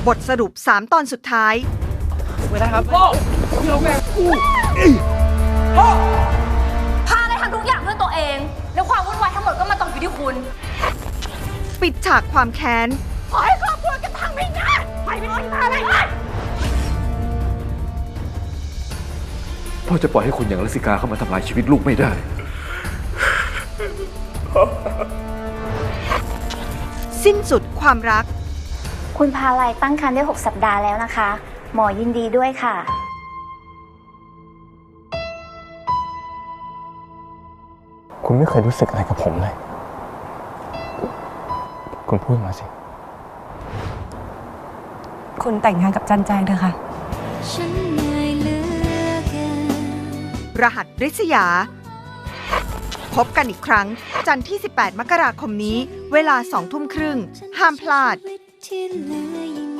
บทสรุป3 ตอนสุดท้ายเวลาครับพ่อเราแม่กูพ่อพาได้ทำทุกอย่างเพื่อตัวเองแล้วความวุ่นวายทั้งหมดก็มาตกอยู่ที่คุณปิดฉากความแค้นขอให้ครอบครัวกันพังไม่ได้ไปไม่ต้องพาอะไรพ่อจะปล่อยให้คนอย่างรัสสิกาเข้ามาทำลายชีวิตลูกไม่ได้สิ้นสุดความรักคุณพาลัยตั้งครรภ์ได้6 สัปดาห์แล้วนะคะหมอยินดีด้วยค่ะคุณไม่เคยรู้สึกอะไรกับผมเลยคุณพูดมาสิคุณแต่งงานกับจันแจงเถอะค่ะรหัสริษยาพบกันอีกครั้งจันทร์ที่18 มกราคมนี้เวลา 20:30 ห้ามพลาด